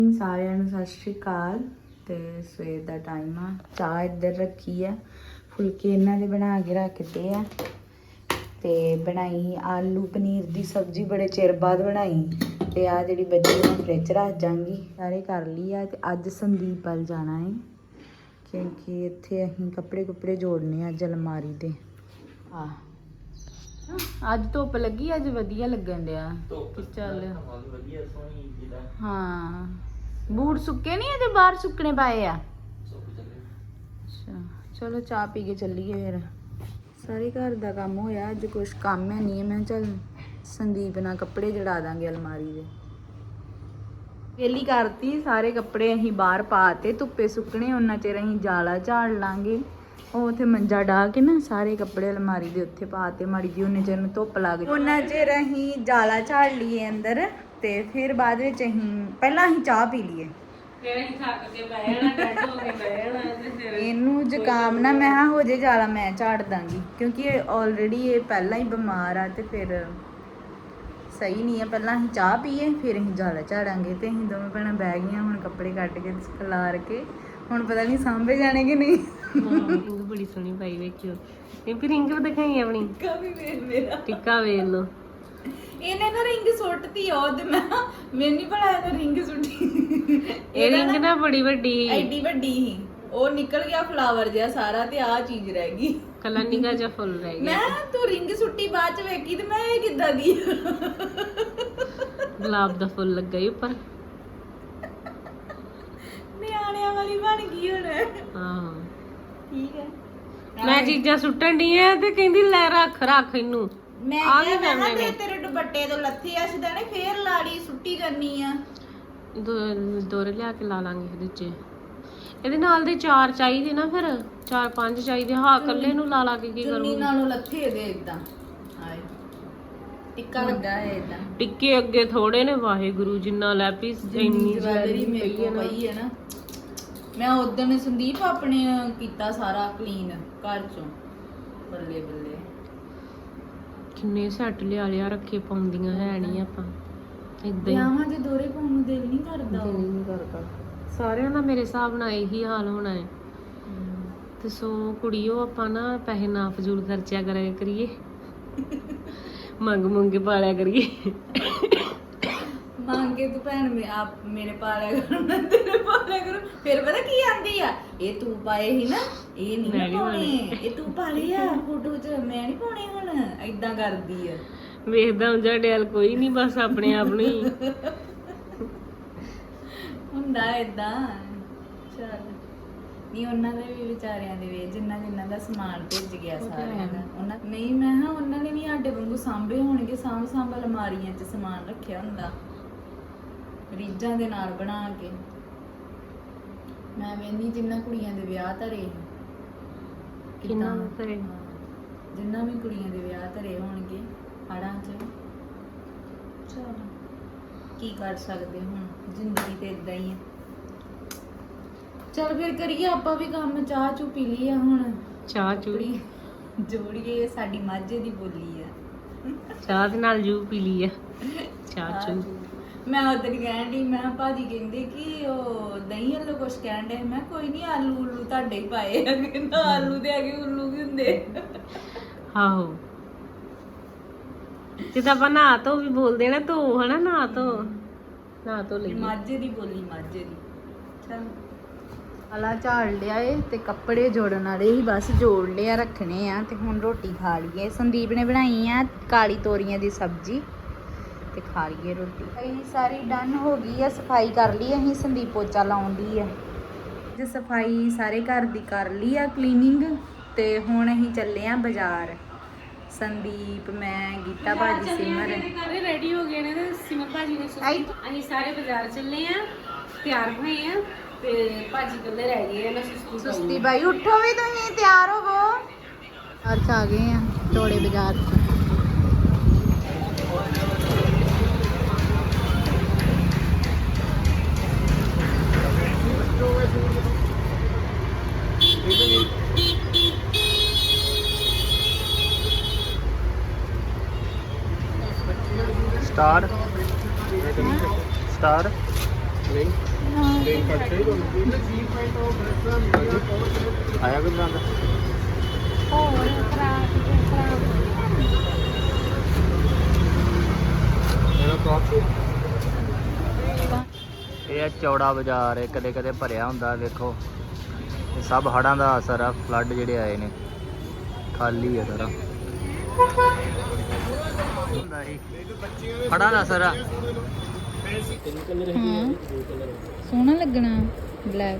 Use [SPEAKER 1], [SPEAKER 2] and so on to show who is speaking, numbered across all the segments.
[SPEAKER 1] ਸਾਰਿਆਂ ਨੂੰ ਸਤਿ ਸ਼੍ਰੀ ਅਕਾਲ। ਤੇ ਸਵੇਰ ਦਾ ਟਾਈਮ ਆ, ਚਾਹ ਇੱਧਰ ਰੱਖੀ ਆ, ਫੁਲਕੇ ਇਹਨਾਂ ਦੇ ਬਣਾ ਕੇ ਰੱਖਦੇ ਆ ਤੇ ਬਣਾਈ ਆਲੂ ਪਨੀਰ ਦੀ ਸਬਜ਼ੀ, ਬੜੇ ਚਿਰ ਬਾਅਦ ਬਣਾਈ। ਤੇ ਆ ਜਿਹੜੀ ਬਚੀ ਮੈਂ ਫ੍ਰਿਜ ਰੱਖ ਜਾਵਾਂਗੀ। ਸਾਰੇ ਕਰ ਲਈ ਆ। ਤੇ ਅੱਜ ਸੰਦੀਪ ਵੱਲ ਜਾਣਾ ਹੈ ਕਿਉਂਕਿ ਇੱਥੇ ਅਸੀਂ ਕੱਪੜੇ ਜੋੜਨੇ ਆ ਅੱਜ ਅਲਮਾਰੀ ਦੇ। ਅੱਜ ਧੁੱਪ ਲੱਗੀ, ਅੱਜ ਵਧੀਆ ਲੱਗਣ ਡਿਆ। ਚੱਲ ਹਾਂ, ਬੂਟ ਸੁੱਕੇ ਨਹੀਂ ਅਜੇ, ਬਾਹਰ ਸੁੱਕਣੇ ਪਾਏ ਆ। ਅੱਛਾ ਚਲੋ ਚਾਹ ਪੀ ਕੇ ਚੱਲੀਏ ਫਿਰ। ਸਾਰੇ ਘਰ ਦਾ ਕੰਮ ਹੋਇਆ, ਅੱਜ ਕੁਛ ਕੰਮ ਹੈ ਨਹੀਂ। ਮੈਂ ਚੱਲ ਸੰਦੀਪ ਨਾਲ ਕੱਪੜੇ ਜੜਾ ਦਾਂਗੇ ਅਲਮਾਰੀ ਦੇ। ਵੇਲੀ ਕਰਤੀ, ਸਾਰੇ ਕੱਪੜੇ ਅਸੀਂ ਬਾਹਰ ਪਾਤੇ ਧੁੱਪੇ ਸੁੱਕਣੇ। ਉਹਨਾਂ ਚਿਰ ਅਸੀਂ ਜਾਲਾ ਝਾੜ ਲਾਂਗੇ। ਉਹ ਉੱਥੇ ਮੰਜਾ ਡਾ ਕੇ ਨਾ ਸਾਰੇ ਕੱਪੜੇ ਅਲਮਾਰੀ ਦੇ ਉੱਥੇ ਪਾਤੇ, ਮਾੜੀ ਜੀ ਉਹਨੇ ਚਿਰ ਨੂੰ ਧੁੱਪ ਲੱਗ ਗਈ। ਉਹਨਾਂ ਚਿਰ ਅਸੀਂ ਜਾਲਾ ਝਾੜ ਲਈਏ ਅੰਦਰ ਤੇ ਫਿਰ ਬਾਅਦ ਵਿੱਚ ਪਹਿਲਾਂ ਅਸੀਂ ਚਾਹ ਪੀ ਲਈਏ। ਇਹਨੂੰ ਜ਼ੁਕਾਮ ਨਾ ਮੈਂ ਹੋ ਜੇ ਜਾਲਾ ਮੈਂ ਝਾੜ ਦਾਂਗੀ ਕਿਉਂਕਿ ਆਲਰੇਡੀ ਇਹ ਪਹਿਲਾਂ ਹੀ ਬਿਮਾਰ ਆ ਤੇ ਫਿਰ ਸਹੀ ਨਹੀਂ ਹੈ। ਪਹਿਲਾਂ ਅਸੀਂ ਚਾਹ ਪੀਏ ਫਿਰ ਅਸੀਂ ਜਾਲਾ ਝਾੜਾਂਗੇ। ਤੇ ਅਸੀਂ ਦੋਵੇਂ ਭੈਣਾਂ ਬਹਿ ਗਈਆਂ ਹੁਣ ਕੱਪੜੇ ਕੱਢ ਕੇ ਖਿਲਾਰ ਕੇ। ਹੁਣ ਪਤਾ ਨਹੀਂ ਸਾਂਭੇ ਜਾਣੇ ਕਿ ਨਹੀਂ।
[SPEAKER 2] ਰਿੰਗ ਬੜੀ ਸੋਹਣੀ ਪਾਈ ਵੇਖਿਓ। ਇਹ ਵੀ ਰਿੰਗ ਦਿਖਾਈ ਆਪਣੀ
[SPEAKER 1] ਟਿੱਕਾ ਵੀ ਵੇਖ ਮੇਰਾ,
[SPEAKER 2] ਟਿੱਕਾ ਵੇਖ ਲੋ।
[SPEAKER 1] ਇਹਨੇ ਨਾ ਰਿੰਗ ਸੁੱਟਤੀ ਉਹ ਤੇ ਮੈਨੂੰ ਨਹੀਂ ਪਤਾ ਇਹਨੇ ਰਿੰਗ ਸੁੱਟੀ।
[SPEAKER 2] ਇਹ ਰਿੰਗ ਨਾ ਬੜੀ ਵੱਡੀ ਸੀ,
[SPEAKER 1] ਐਡੀ ਵੱਡੀ ਸੀ, ਉਹ ਨਿਕਲ ਗਿਆ ਫਲਾਵਰ ਜਿਹਾ ਸਾਰਾ ਤੇ ਆਹ ਚੀਜ਼ ਰਹਿ ਗਈ।
[SPEAKER 2] ਕੱਲਾ ਨਿੱਕਾ ਜਿਹਾ ਫੁੱਲ ਰਹਿ ਗਿਆ।
[SPEAKER 1] ਮੈਂ ਤੂੰ ਰਿੰਗ ਸੁੱਟੀ ਬਾਅਦ ਚ ਵੇਖੀ ਤੇ ਮੈਂ ਇਹ ਕਿੱਦਾਂ ਦੀ
[SPEAKER 2] ਗੁਲਾਬ ਦਾ ਫੁੱਲ ਲੱਗਾ ਹੀ ਉੱਪਰ।
[SPEAKER 1] ਨਿਆਣਿਆਂ ਵਾਲੀ ਬਣ ਗਈ ਹੁਣ।
[SPEAKER 2] ਹਾਂ
[SPEAKER 1] ਠੀਕ ਹੈ।
[SPEAKER 2] ਮੈਂ ਚੀਜ਼ਾਂ ਸੁੱਟਣ ਦੀ ਐ ਤੇ ਕਹਿੰਦੀ ਲੈ ਰੱਖ ਇਹਨੂੰ।
[SPEAKER 1] ਮੈਂ ਕਿਹਾ ਤੇ ਤੇਰੇ ਦੁਪੱਟੇ ਤੋਂ ਲੱਥੇ ਆ ਸਿੱਧਾ ਫੇਰ ਲਾੜੀ ਸੁੱਟੀ ਕਰਨੀ ਆ।
[SPEAKER 2] ਦੋਰੇ ਲਿਆ ਕੇ ਲਾ ਲਾਂਗੇ ਇਹਦੇ ਚ। ਇਹਦੇ ਨਾਲ ਦੇ 4 ਚਾਹੀਦੇ ਨਾ, ਫਿਰ 4-5 ਚਾਹੀਦੇ। ਹਾਂ ਇਕੱਲੇ ਨੂੰ ਲਾ ਕੇ ਕੀ ਕਰੂੰਗੀ।
[SPEAKER 1] ਨਾਲੋਂ ਲੱਥੇ ਦੇ ਇਦਾਂ ਆਏ ਟਿੱਕਾ ਲੱਗਾ ਹੈ ਇਦਾਂ।
[SPEAKER 2] ਟਿੱਕੇ ਅੱਗੇ ਥੋੜੇ ਨੇ, ਵਾਹਿਗੁਰੂ ਜਿੰਨਾ ਲੈ ਪੀ ਇੰਨੀ
[SPEAKER 1] ਜਵੈਲਰੀ ਮੇਰੇ ਕੋਲ ਪਈ ਹੈ ਨਾ। ਮੈਂ ਉਦੋਂ ਸੰਦੀਪ ਆਪਣੇ ਕੀਤਾ ਸਾਰਾ ਕਲੀਨ ਘਰ ਚੋਂ। ਬੱਲੇ ਬੱਲੇ
[SPEAKER 2] ਕਿੰਨੇ ਸੈੱਟ ਲਿਆ ਰੱਖੇ, ਪਾਉਂਦੀਆਂ ਹੈ ਨਹੀਂ ਆਪਾਂ ਇਦਾਂ ਹੀ।
[SPEAKER 1] ਵਿਆਹਾਂ ਦੇ ਦੋਰੇ ਪਾਉਣ ਨੂੰ ਦਿਲ ਨਹੀਂ ਕਰਦਾ।
[SPEAKER 2] ਦਿਲ ਨਹੀਂ ਕਰਦਾ। ਸਾਰਿਆਂ ਦਾ ਮੇਰੇ ਹਿਸਾਬ ਨਾਲ ਇਹੀ ਹਾਲ ਹੋਣਾ ਹੈ। ਤੇ ਸੋ ਕੁੜੀਓ ਆਪਾਂ ਨਾ ਪੈਸੇ ਨਾ ਫਜ਼ੂਲ ਖਰਚਿਆ ਕਰੀਏ, ਮੰਗ ਕੇ ਪਾਲਿਆ ਕਰੀਏ।
[SPEAKER 1] ਮੰਗ ਕੇ ਤੂੰ ਭੈਣ ਮੇਰੇ ਪਾਲਿਆ ਕਰੋ ਨਾ ਤੇਰੇ ਪਾਲਿਆ ਕਰੋ। ਫਿਰ ਪਤਾ ਕੀ ਆਂਦੀ ਆ, ਇਹ ਤੂੰ ਪਾਏ ਸੀ ਨਾ, ਇਹ ਨਹੀਂ ਪਾਉਣੇ, ਇਹ ਤੂੰ ਪਾਲੇ ਆ ਫੋਟੋ 'ਚ, ਮੈਂ ਨਹੀਂ ਪਾਉਣੇ ਹੁਣ। ਏਦਾਂ ਕਰਦੀ ਆ।
[SPEAKER 2] ਵੇਖਦਾ ਹੁੰਦਾ ਡੈਲ ਕੋਈ ਨਹੀਂ, ਬਸ ਆਪਣੇ ਆਪ ਨੂੰ ਹੀ
[SPEAKER 1] ਹੁੰਦਾ ਏਦਾਂ। ਚੱਲ ਨਹੀਂ, ਉਹਨਾਂ ਦੇ ਵੀ ਵਿਚਾਰਿਆਂ ਦੇ ਵੇ ਜਿੰਨਾ ਦਾ ਸਮਾਨ ਭੇਜ ਗਿਆ ਸਾਰਿਆਂ ਦਾ। ਉਹਨਾਂ ਨਹੀਂ, ਮੈਂ ਹਾਂ ਉਹਨਾਂ ਨੇ ਵੀ ਸਾਡੇ ਵਾਂਗੂ ਸਾਂਭੇ ਹੋਣਗੇ। ਸਾਂਭ ਅਲਮਾਰੀਆਂ 'ਚ ਸਮਾਨ ਰੱਖਿਆ ਹੁੰਦਾ ਰੀਝਾਂ ਦੇ ਨਾਲ ਬਣਾ ਕੇ। ਮੈਂ ਵੇਖਦੀ ਜਿੰਨਾ ਕੁੜੀਆਂ ਦੇ ਵਿਆਹ ਧਰੇ,
[SPEAKER 2] ਕਿੰਨਾ ਧਰੇ,
[SPEAKER 1] ਜਿੰਨਾ ਵੀ ਕੁੜੀਆਂ ਦੇ ਵਿਆਹ ਧਰੇ ਹੋਣਗੇ ਹੜਾਂ 'ਚ। ਚਲ ਕੀ ਕਰ ਸਕਦੇ, ਹੁਣ ਜ਼ਿੰਦਗੀ ਤੇ ਇਦਾਂ ਹੀ ਹੈ। ਚਲ ਫਿਰ ਕਰੀਏ ਆਪਾਂ ਵੀ ਕੰਮ। ਚਾਹ ਚੂ ਪੀ ਲਈ ਆ, ਹੁਣ
[SPEAKER 2] ਚਾਹ ਚੂੜੀ
[SPEAKER 1] ਜੋੜੀਏ। ਸਾਡੀ ਮਾਝੇ ਦੀ ਬੋਲੀ ਆ।
[SPEAKER 2] ਚਾਹ ਦੇ ਨਾਲ ਜੂ ਪੀ ਲਈ ਆ। ਚਾਹ ਚੂ
[SPEAKER 1] ਮੈਂ ਉਧਰ ਕਹਿਣ ਡਈ, ਮੈਂ ਭਾਜੀ ਕਹਿੰਦੇ ਕਿ ਉਹ ਦਹੀਂ ਵੱਲੋਂ ਕੁਛ ਕਹਿਣ ਡੇ। ਮੈਂ ਕੋਈ ਨਹੀਂ, ਆਲੂ ਉਲੂ ਤੁਹਾਡੇ ਹੀ ਪਾਏ ਆ। ਕਹਿੰਦਾ ਆਲੂ ਦੇ ਹੈਗੇ, ਉੱਲੂ ਵੀ ਹੁੰਦੇ।
[SPEAKER 2] ਆਹੋ ਜਿੱਦਾਂ ਆਪਾਂ ਨਹਾ ਧੋ ਵੀ ਬੋਲਦੇ ਨਾ, ਧੋ ਹਨਾ, ਨਹਾ ਧੋ ਲਈ।
[SPEAKER 1] ਮਾਝੇ ਦੀ ਬੋਲੀ, ਮਾਝੇ ਦੀ। ਚਲ ਆਲਾ ਝਾੜ ਲਿਆ ਏ ਤੇ ਕੱਪੜੇ ਜੋੜਨ ਵਾਲੇ ਹੀ ਬਸ ਜੋੜ ਲਿਆ, ਰੱਖਣੇ ਆ। ਤੇ ਹੁਣ ਰੋਟੀ ਖਾ ਲਈਏ। ਸੰਦੀਪ ਨੇ ਬਣਾਈ ਆ ਕਾਲੀ ਤੋਰੀਆਂ ਦੀ ਸਬਜ਼ੀ ਤੇ ਖਾ ਲਈਏ ਰੋਟੀ। ਅਸੀਂ ਸਾਰੀ ਡਨ ਹੋ ਗਈ ਆ, ਸਫਾਈ ਕਰ ਲਈ ਅਸੀਂ। ਸੰਦੀਪ ਪੋਚਾ ਲਾਉਣ ਦੀ ਆ ਤੇ ਸਫਾਈ ਸਾਰੇ ਘਰ ਦੀ ਕਰ ਲਈ ਆ, ਕਲੀਨਿੰਗ। ਤੇ ਹੁਣ ਅਸੀਂ ਚੱਲੇ ਆ ਬਾਜ਼ਾਰ। ਸੰਦੀਪ, ਮੈਂ, ਗੀਤਾ ਭਾਜੀ, ਸਿਮਰ
[SPEAKER 2] ਰੈਡੀ ਹੋ ਗਏ ਨੇ ਤੇ ਸਿਮਰ ਭਾਜੀ ਨੇ ਅਸੀਂ ਸਾਰੇ ਬਾਜ਼ਾਰ ਚੱਲੇ ਆ, ਤਿਆਰ ਹੋਏ ਆ ਤੇ ਭਾਜੀ ਕੱਲੇ ਰਹਿ ਗਏ ਆ ਨਾ
[SPEAKER 1] ਸੁਸਤੀ ਬਾਈ। ਉੱਠੋ ਵੀ ਤੁਸੀਂ, ਤਿਆਰ ਹੋਵੋ। ਅੱਜ ਆ ਗਏ ਆ ਚੌੜੇ ਬਾਜ਼ਾਰ।
[SPEAKER 3] स्टार नहीं ਆਇਆ ਕੋਈ ਬੰਦਾ
[SPEAKER 1] ਹੋਰ ਖਰਾਬ
[SPEAKER 3] ਇਹ ਆ ਚੌੜਾ ਬਾਜ਼ਾਰ ਹੈ, ਕਦੇ ਕਦੇ ਭਰਿਆ ਹੁੰਦਾ। ਵੇਖੋ ਇਹ ਸਭ ਹੜ੍ਹਾਂ ਦਾ ਅਸਰ ਆ, ਫਲੱਡ ਜਿਹੜੇ ਆਏ ਨੇ। ਖਾਲੀ ਹੈ ਸਾਰਾ, ਹੜ੍ਹਾਂ ਦਾ ਅਸਰ ਆ।
[SPEAKER 1] ਹਾਂ ਸੋਹਣਾ ਲੱਗਣਾ ਬਲੈਕ।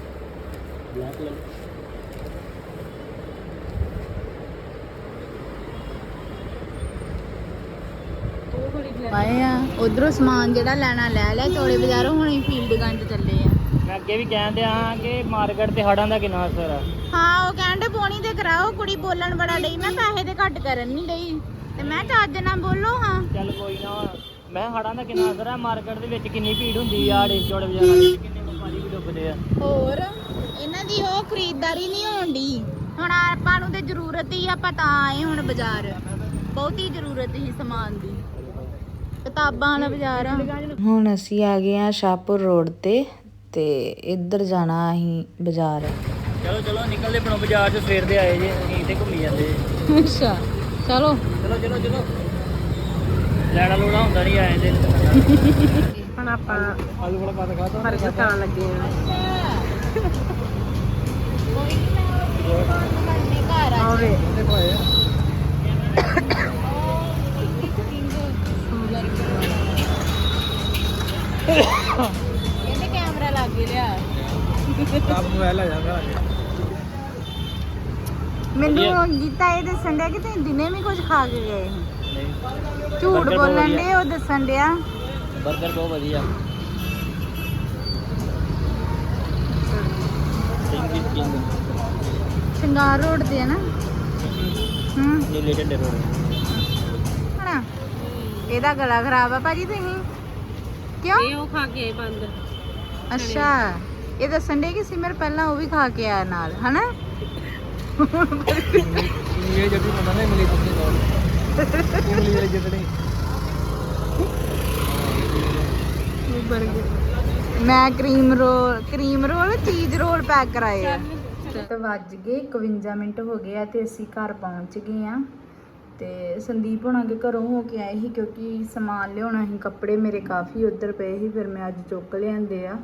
[SPEAKER 1] ਆਏ ਆ ਉਧਰੋਂ ਸਮਾਨ ਜਿਹੜਾ ਲੈਣਾ ਲੈ ਲਿਆ ਚੌੜੇ ਬਾਜ਼ਾਰੋਂ। ਹੁਣ ਅਸੀਂ ਫੀਲਡ ਗੰਜ ਚੱਲੇ ਆ।
[SPEAKER 3] ਮੈਂ ਅੱਗੇ ਵੀ ਕਹਿੰਦੇ ਹਾਂ ਕਿ ਮਾਰਕੀਟ ਤੇ ਹੜ੍ਹਾਂ ਦਾ ਕਿੰਨਾ ਅਸਰ ਆ।
[SPEAKER 1] ਹਾਂ ਉਹ ਕਹਿੰਦੇ ਪੋਣੀ ਤੇ ਕਰਾਓ। ਕੁੜੀ ਬੋਲਣ ਬੜਾ ਡਈ, ਮੈਂ ਪੈਸੇ ਤੇ ਘੱਟ ਕਰਨ ਨਹੀਂ ਡਈ ਤੇ ਮੈਂ ਚੱਜ ਨਾਲ ਬੋਲੋ। ਹਾਂ
[SPEAKER 3] ਚੱਲ ਕੋਈ ਨਾ, ਮੈਂ ਹੜ੍ਹਾਂ ਦਾ ਕਿੰਨਾ ਅਸਰ ਆ। ਮਾਰਕੀਟ ਦੇ ਵਿੱਚ ਕਿੰਨੀ ਭੀੜ ਹੁੰਦੀ ਆ, ਚੌੜੇ ਬਾਜ਼ਾਰਾਂ ਵਿੱਚ ਕਿੰਨੇ ਵਪਾਰੀ ਵੀ ਡੁੱਬਦੇ ਆ।
[SPEAKER 1] ਹੋਰ ਇਹਨਾਂ ਦੀ ਉਹ ਖਰੀਦਦਾਰੀ ਨਹੀਂ ਹੋਣ ਡਈ। ਹੁਣ ਆਪਾਂ ਨੂੰ ਤੇ ਜ਼ਰੂਰਤ ਹੀ ਆਪਾਂ ਤਾਂ ਆਏ ਹੁਣ ਬਾਜ਼ਾਰ। ਬਹੁਤੀ ਜ਼ਰੂਰਤ ਹੀ ਸਮਾਨ ਦੀ। ਕਿਤਾਬਾਂ ਵਾਲਾ ਬਾਜ਼ਾਰ ਆ। ਹੁਣ ਅਸੀਂ ਆ ਗਏ ਆ ਸ਼ਾਹਪੁਰ ਰੋਡ ਤੇ ਇੱਧਰ ਜਾਣਾ ਅਸੀਂ ਬਾਜ਼ਾਰ।
[SPEAKER 3] ਚਲੋ ਚਲੋ ਨਿਕਲਦੇ ਬਣੋ ਬਾਜ਼ਾਰ ਚ, ਸਵੇਰ ਦੇ ਆਏ ਜੇ ਅਸੀਂ ਤੇ ਘੁੰਮੀ ਜਾਂਦੇ।
[SPEAKER 1] ਅੱਛਾ ਚਲੋ
[SPEAKER 3] ਚਲੋ ਚਲੋ ਚਲੋ, ਲੈਣਾ ਲੋਣਾ ਹੁੰਦਾ ਨਹੀਂ ਆਏ ਤੇ।
[SPEAKER 2] ਹੁਣ ਆਪਾਂ
[SPEAKER 3] ਆਲੂ ਵਾਲਾ ਪਾ ਖਾ ਤਾ
[SPEAKER 2] ਬਰਗਰ ਖਾਣ ਲੱਗੇ ਆ।
[SPEAKER 1] ਕੋਈ ਨਹੀਂ ਮੈਂ ਘਰ ਆ
[SPEAKER 2] ਆਵੇ
[SPEAKER 3] ਦੇਖੋ ਆਏ ਆ।
[SPEAKER 1] ਕਹਿੰਦੇ ਕੈਮਰਾ ਲੱਗ ਗਿਆ।
[SPEAKER 3] ਆਪ ਮੋਬਾਈਲ ਆ ਜਾਂਦਾ।
[SPEAKER 1] ਮੈਨੂੰ ਗੀਤਾ ਇਹ ਦੱਸਣ ਡਿਆ ਕਿ ਤੁਸੀਂ ਦਿਨੇ ਵੀ ਕੁਝ ਖਾ ਕੇ ਗਏ ਸੀ।
[SPEAKER 3] ਨਹੀਂ
[SPEAKER 1] ਝੂਠ
[SPEAKER 3] Burger ਬਹੁਤ
[SPEAKER 1] ਬੋਲਣ
[SPEAKER 3] ਵਧੀਆ।
[SPEAKER 1] ਦੇ ਉਹ ਦੱਸਣ ਡਿਆ।
[SPEAKER 3] ਬਰਗਰ ਬਹੁਤ ਵਧੀਆ।
[SPEAKER 1] ਸ਼ਿੰਗਾਰ ਰੋਡ ਤੇ ਹੈ ਨਾ।
[SPEAKER 3] ਇਹ ਲੇਟਡ ਰੋਡ
[SPEAKER 1] ਹਣਾ ਇਹਦਾ ਗਲਾ ਖਰਾਬ ਆ ਭਾਜੀ ਤੁਸੀਂ ਕਿਉਂ?
[SPEAKER 2] ਇਹ ਉਹ ਖਾ ਕੇ ਆਏ ਬੰਦ।
[SPEAKER 1] ਅੱਛਾ ਇਹ ਦੱਸਣ ਡੇ ਕਿ ਸਿਮਰ ਪਹਿਲਾਂ ਉਹ ਵੀ ਖਾ ਕੇ ਆਇਆ ਨਾਲ ਹਨਾ।
[SPEAKER 3] ਇਹ ਜੱਦੀ ਪਤਾ ਨਹੀਂ ਮਿਲੀ ਤੁਸੀਂ ਕੋਲ ਇਮਲੀ ਵਾਲੀ ਜੱਦੀ।
[SPEAKER 1] ਮੈਂ cream roll cheese roll pack ਕਰਾਏ ਆ। ਤੇ ਵੱਜ ਗਏ 51 ਮਿੰਟ ਹੋ ਗਏ ਆ ਤੇ ਅਸੀਂ ਘਰ ਪਹੁੰਚ ਗਏ ਆ। ਤੇ ਸੰਦੀਪ ਹੋਣਾ ਦੇ ਘਰੋਂ ਹੋ ਕੇ ਆਏ ਸੀ ਕਿਉਂਕਿ ਸਮਾਨ ਲਿਆਉਣਾ ਸੀ। ਕੱਪੜੇ ਮੇਰੇ ਕਾਫੀ ਉੱਧਰ ਪਏ ਸੀ, ਫਿਰ ਮੈਂ ਅੱਜ ਚੁੱਕ ਲਿਆਂਦੇ ਆ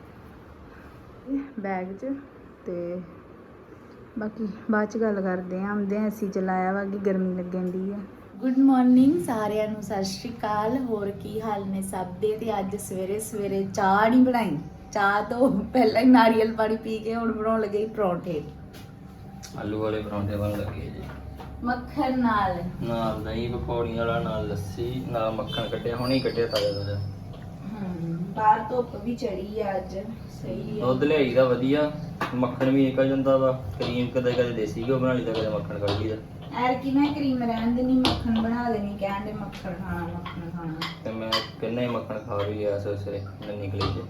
[SPEAKER 1] ਬੈਗ 'ਚ। ਤੇ ਬਾਕੀ ਬਾਅਦ 'ਚ ਗੱਲ ਕਰਦੇ ਆ। ਆਉਂਦੇ ਆ ਅਸੀਂ ਚਲਾਇਆ ਵਾ ਕਿ ਗਰਮੀ ਲੱਗਣ ਦੀ ਆ। ਗੁੱਡ ਮਾਰਨਿੰਗ ਸਾਰਿਆਂ ਨੂੰ, ਸਤਿ ਸ਼੍ਰੀ ਅਕਾਲ। ਹੋਰ ਕੀ ਹਾਲ ਨੇ ਸਭ ਦੇ? ਤੇ ਅੱਜ ਸਵੇਰੇ ਸਵੇਰੇ ਚਾਹ ਨਹੀਂ ਬਣਾਈ। ਚਾਹ ਤੋਂ ਪਹਿਲਾਂ ਹੀ ਨਾਰੀਅਲ ਪਾਣੀ ਪੀ ਕੇ ਹੁਣ ਬਣਾਉਣ ਲੱਗੇ ਪਰੌਂਠੇ।
[SPEAKER 3] ਆਲੂ ਵਾਲੇ ਪਰੌਂਠੇ ਬਣ ਲੱਗੇ ਜੀ,
[SPEAKER 1] ਮੱਖਣ ਨਾਲ
[SPEAKER 3] ਦਹੀਂ ਪਕੌੜੀਆਂ ਵਾਲਾ, ਨਾਲ ਲੱਸੀ, ਨਾਲ ਮੱਖਣ ਕੱਢਿਆ, ਹੁਣੇ ਹੀ ਕੱਢਿਆ ਤਾਜ਼ਾ ਤਾਜ਼ਾ।
[SPEAKER 1] ਬਾਹਰ ਧੁੱਪ ਵੀ ਚੜੀ ਆ ਅੱਜ। ਸਹੀ ਆ।
[SPEAKER 3] ਦੁੱਧ ਲਿਆਈਦਾ ਵਧੀਆ, ਮੱਖਣ ਵੀ ਨਿਕਲ ਜਾਂਦਾ ਵਾ। ਕਰੀਮ ਕਦੇ ਕਦੇ ਦੇਸੀ ਘਿਓ ਬਣਾ ਲਈਦਾ, ਕਦੇ ਮੱਖਣ ਕੱਢ ਲਈਦਾ।
[SPEAKER 1] ਐਰ ਕਿ ਮੈਂ ਕਰੀਮ ਰਹਿਣ ਦੇਣੀ, ਮੱਖਣ ਬਣਾ ਲੈਣੀ। ਕਹਿੰਦੇ ਮੱਖਣ ਖਾਣਾ।
[SPEAKER 3] ਤੇ ਮੈਂ ਕਿੰਨਾ ਹੀ ਮੱਖਣ ਖਾ ਵੀ ਗਿਆ ਸਵੇਰੇ ਮੈਂ ਨਿਕਲੀ ਜੇ।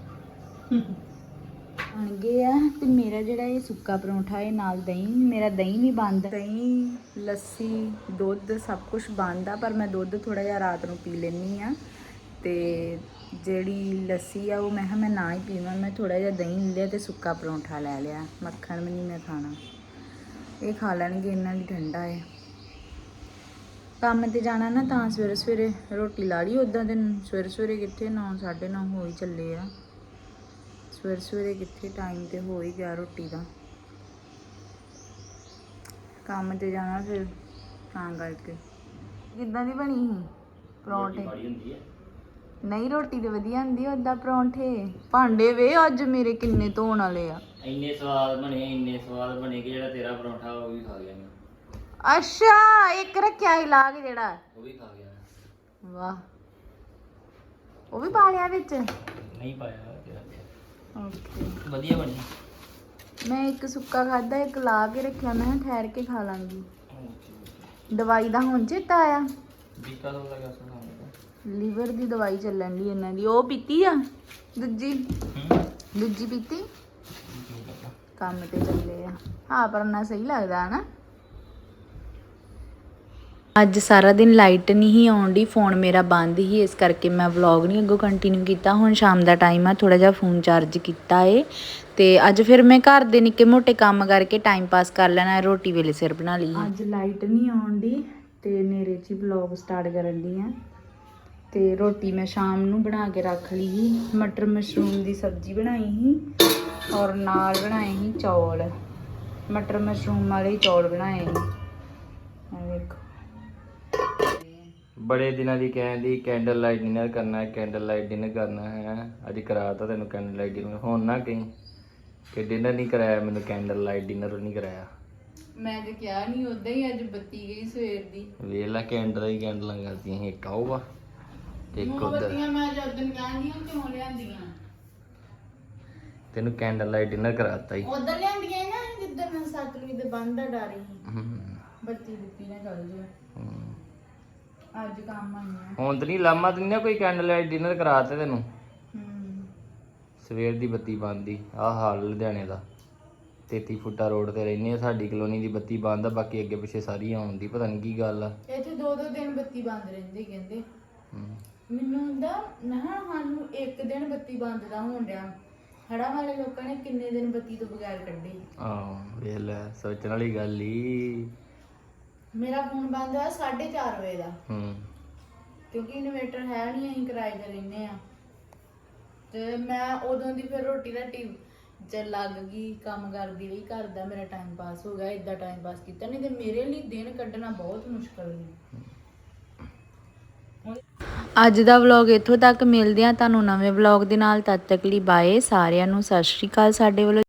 [SPEAKER 1] ਬਣ ਗਏ ਆ। ਤੇ ਮੇਰਾ ਜਿਹੜਾ ਇਹ ਸੁੱਕਾ ਪਰੌਂਠਾ ਹੈ ਨਾਲ ਦਹੀਂ, ਮੇਰਾ ਦਹੀਂ ਵੀ ਬੰਦ। ਦਹੀਂ ਲੱਸੀ ਦੁੱਧ ਸਭ ਕੁਝ ਬੰਦ ਆ, ਪਰ ਮੈਂ ਦੁੱਧ ਥੋੜਾ ਜਿਹਾ ਰਾਤ ਨੂੰ ਪੀ ਲੈਣੀ ਆ। ਤੇ ਜਿਹੜੀ ਲੱਸੀ ਆ ਉਹ ਮੈਂ ਕਿਹਾ ਮੈਂ ਨਾ ਹੀ ਪੀਵਾਂ। ਮੈਂ ਥੋੜਾ ਜਿਹਾ ਦਹੀਂ ਲੈ ਲਿਆ ਤੇ ਸੁੱਕਾ ਪਰੌਂਠਾ ਲੈ ਲਿਆ। ਮੱਖਣ ਵੀ ਨਹੀਂ ਮੈਂ ਖਾਣਾ, ਇਹ ਖਾ ਲੈਣਗੇ, ਇਹਨਾਂ ਦੀ ਠੰਡਾ ਹੈ। ਕੰਮ ਤੇ ਜਾਣਾ ਨਾ ਤਾਂ ਸਵੇਰੇ ਸਵੇਰੇ ਰੋਟੀ ਲਾ ਲਈ। ਉੱਦਾਂ ਤੇ ਸਵੇਰੇ ਸਵੇਰੇ ਕਿੱਥੇ 9 9:30 ਹੋ ਹੀ ਚੱਲੇ ਆ। ਸਵੇਰੇ ਸਵੇਰੇ ਕਿੱਥੇ, ਟਾਈਮ ਤੇ ਹੋ ਹੀ ਗਿਆ ਰੋਟੀ ਦਾ। ਕੰਮ ਤੇ ਜਾਣਾ ਫਿਰ ਤਾਂ ਕਰਕੇ। ਕਿੱਦਾਂ ਦੀ ਬਣੀ ਸੀ ਪਰੌਂਠੇ? ਨਹੀਂ ਰੋਟੀ ਤੇ ਵਧੀਆ ਹੁੰਦੀ ਆ, ਓਦਾਂ ਪਰੌਂਠੇ। ਭਾਂਡੇ ਵੇ ਅੱਜ ਮੇਰੇ ਕਿੰਨੇ ਧੋਣ ਵਾਲੇ ਆ।
[SPEAKER 3] ਇੰਨੇ ਸਵਾਦ ਬਣੇ ਕਿ ਜਿਹੜਾ ਤੇਰਾ ਪਰੌਂਠਾ ਉਹ ਵੀ ਖਾ ਗਿਆ ਮੈਂ।
[SPEAKER 1] ਅੱਛਾ ਇੱਕ ਰੱਖਿਆ ਸੀ ਲਾ ਕੇ ਜਿਹੜਾ,
[SPEAKER 3] ਉਹ ਵੀ ਖਾ ਗਿਆ।
[SPEAKER 1] ਵਾਹ ਉਹ ਵੀ ਪਾ ਲਿਆ ਵਿੱਚ?
[SPEAKER 3] ਨਹੀਂ ਪਾਇਆ ਤੇਰਾ।
[SPEAKER 1] ਓਕੇ
[SPEAKER 3] ਵਧੀਆ ਬਣੀ।
[SPEAKER 1] ਮੈਂ ਇੱਕ ਸੁੱਕਾ ਖਾਦਾ, ਇੱਕ ਲਾ ਕੇ ਰੱਖਿਆ। ਮੈਂ ਕਿਹਾ ਠਹਿਰ ਕੇ ਖਾ ਲਾਂਗੀ। ਦਵਾਈ ਦਾ ਹੁਣ ਚੇਤਾ ਆਇਆ।
[SPEAKER 3] ਬੀਕਾ ਤੋਂ ਲੱਗਾ ਸੁਣਾ
[SPEAKER 1] ਲੀਵਰ ਦੀ ਦਵਾਈ ਚੱਲਣ ਦੀ ਇਹਨਾਂ ਦੀ। ਉਹ ਪੀਤੀ ਆ ਦੂਜੀ ਪੀਤੀ। ਕੰਮ ਤੇ ਚੱਲੇ ਆ। ਹਾਂ ਪਰ ਨਾ ਸਹੀ ਲੱਗਦਾ ਹਨਾ। ਅੱਜ ਸਾਰਾ ਦਿਨ ਲਾਈਟ ਨਹੀਂ ਹੀ ਆਉਣ ਦੀ, ਫੋਨ ਮੇਰਾ ਬੰਦ ਹੀ, ਇਸ ਕਰਕੇ ਮੈਂ ਵਲੌਗ ਨਹੀਂ ਅੱਗੋਂ ਕੰਟੀਨਿਊ ਕੀਤਾ। ਹੁਣ ਸ਼ਾਮ ਦਾ ਟਾਈਮ ਆ, ਥੋੜਾ ਜਿਹਾ ਫੋਨ ਚਾਰਜ ਕੀਤਾ ਏ ਤੇ ਅੱਜ ਫਿਰ ਮੈਂ ਘਰ ਦੇ ਨਿੱਕੇ ਮੋਟੇ ਕੰਮ ਕਰਕੇ ਟਾਈਮ ਪਾਸ ਕਰ ਲੈਣਾ, ਰੋਟੀ ਵੇਲੇ ਸਿਰ ਬਣਾ ਲਈ। ਅੱਜ ਲਾਈਟ ਨਹੀਂ ਆਉਣ ਦੀ ਤੇ ਨੇਰੇ 'ਚ ਵਲੌਗ ਸਟਾਰਟ ਕਰਨ ਦੀ ਆ ਤੇ ਰੋਟੀ ਮੈਂ ਸ਼ਾਮ ਨੂੰ ਬਣਾ ਕੇ ਰੱਖ ਲਈ ਸੀ। ਮਟਰ ਮਸ਼ਰੂਮ ਦੀ ਸਬਜ਼ੀ ਬਣਾਈ ਸੀ ਔਰ ਨਾਲ ਬਣਾਏ ਸੀ ਚੌਲ, ਮਟਰ ਮਸ਼ਰੂਮ ਵਾਲੇ ਚੌਲ ਬਣਾਏ ਸੀ। ਆ ਵੇਖੋ,
[SPEAKER 3] ਬੜੇ ਦਿਨਾਂ ਦੀ ਕਹਿੰਦੀ ਕੈਂਡਲ ਲਾਈਟ ਡਿਨਰ ਕਰਨਾ ਹੈ, ਕੈਂਡਲ ਲਾਈਟ ਡਿਨਰ ਕਰਨਾ ਹੈ। ਅੱਜ ਕਰਾਤਾ ਤੈਨੂੰ ਕੈਂਡਲ ਲਾਈਟ ਡਿਨਰ। ਹੁਣ ਨਾ ਕਹੀਂ ਕਿ ਡਿਨਰ ਨਹੀਂ ਕਰਾਇਆ ਮੈਨੂੰ, ਕੈਂਡਲ ਲਾਈਟ ਡਿਨਰ ਨਹੀਂ ਕਰਾਇਆ।
[SPEAKER 1] ਮੈਂ ਤੇ ਕਿਹਾ ਨਹੀਂ, ਉਦਾਂ ਹੀ ਅੱਜ ਬੱਤੀ ਗਈ ਸਵੇਰ ਦੀ।
[SPEAKER 3] ਵੇਖ ਲੈ ਕੈਂਡਲ ਹੀ ਕੈਂਡਲਾਂ ਕਰਦੀਆਂ ਸੀ, ਇੱਕ ਆਊਗਾ ਤੇ ਇੱਕ ਉਧਰ।
[SPEAKER 1] ਬੱਤੀਆਂ ਮੈਂ ਜਦ ਦਿਨ ਕਹਿੰਦੀ ਕਿਉਂ ਲਿਆਂਦੀਆਂ,
[SPEAKER 3] ਤੈਨੂੰ ਕੈਂਡਲ ਲਾਈਟ ਡਿਨਰ ਕਰਾਤਾ ਹੀ।
[SPEAKER 1] ਉਧਰ ਲਿਆਂਦੀਆਂ ਨਾ ਜਿੱਦਾਂ ਮੈਂ ਸਤਲੁਜ ਦੇ ਬੰਦ ਦਾ ਡਰ ਸੀ, ਬੱਤੀ ਬੁੱਤੀ ਨਾ ਚੱਲ ਜਾਏ। ਅੱਜ ਕੰਮ ਆਈਆਂ
[SPEAKER 3] ਹੁਣ ਤੇ ਨਹੀਂ ਲਾਮਾ ਤੇ ਨਹੀਂ ਨਾ ਕੋਈ ਕੈਂਡਲ ਲਾਈਟ ਡਿਨਰ ਕਰਾਤੇ ਤੈਨੂੰ। ਸਵੇਰ ਦੀ ਬੱਤੀ ਬੰਦ ਹੀ। ਆਹ ਹਾਲ ਲੁਧਿਆਣੇ ਦਾ, 33 ਫੁੱਟਾ ਰੋਡ ਤੇ ਰਹਿੰਦੇ ਆ, ਸਾਡੀ ਕਲੋਨੀ ਦੀ ਬੱਤੀ ਬੰਦ ਆ, ਬਾਕੀ ਅੱਗੇ ਪਿੱਛੇ ਸਾਰੀ ਆਉਣ ਦੀ ਪਤਾ ਨਹੀਂ ਕੀ ਗੱਲ ਆ।
[SPEAKER 1] ਇੱਥੇ 2-2 ਦਿਨ ਬੱਤੀ ਬੰਦ ਰਹਿੰਦੀ ਕਹਿੰਦੇ। ਮੈਨੂੰ ਹੁੰਦਾ ਨਾ ਸਾਨੂੰ ਇੱਕ ਦਿਨ ਬੱਤੀ ਬੰਦ ਦਾ ਹੋਣ ਡਿਆ, ਹੜਾਂ ਵਾਲੇ ਲੋਕਾਂ ਨੇ ਕਿੰਨੇ ਦਿਨ ਬੱਤੀ ਤੋਂ ਬਗੈਰ ਕੱਢੇ।
[SPEAKER 3] ਆਹ ਵੇਖ ਲੈ, ਸੋਚਣ ਵਾਲੀ ਗੱਲ ਹੀ।
[SPEAKER 1] ਮੇਰਾ ਫੋਨ ਬੰਦ ਹੋਇਆ 4:30 ਵਜੇ ਦਾ, ਕਿਉਂਕਿ ਇਨਵੇਟਰ ਹੈ ਨਹੀਂ, ਅਸੀਂ ਕਿਰਾਏ ਤੇ ਰਹਿੰਦੇ ਆ ਤੇ ਮੈਂ ਉਦੋਂ ਦੀ ਫਿਰ ਰੋਟੀ ਰਾਟੀ ਚ ਲੱਗ ਗਈ, ਕੰਮ ਕਰਦੀ ਰਹੀ, ਘਰ ਦਾ ਮੇਰਾ ਟਾਈਮ ਪਾਸ ਹੋ ਗਿਆ। ਇਦਾਂ ਟਾਈਮ ਪਾਸ ਕੀਤਾ, ਨਹੀਂ ਤੇ ਮੇਰੇ ਲਈ ਦਿਨ ਕੱਢਣਾ ਬਹੁਤ ਮੁਸ਼ਕਲ ਸੀ। ਅੱਜ ਦਾ ਵਲੌਗ ਇੱਥੋਂ ਤੱਕ, ਮਿਲਦੇ ਆ ਤੁਹਾਨੂੰ ਨਵੇਂ ਵਲੌਗ ਦੇ ਨਾਲ। ਤਦ ਤੱਕ ਲਈ ਬਾਏ ਸਾਰਿਆਂ ਨੂੰ, ਸਤਿ ਸ਼੍ਰੀ ਅਕਾਲ ਸਾਡੇ ਵੱਲੋਂ।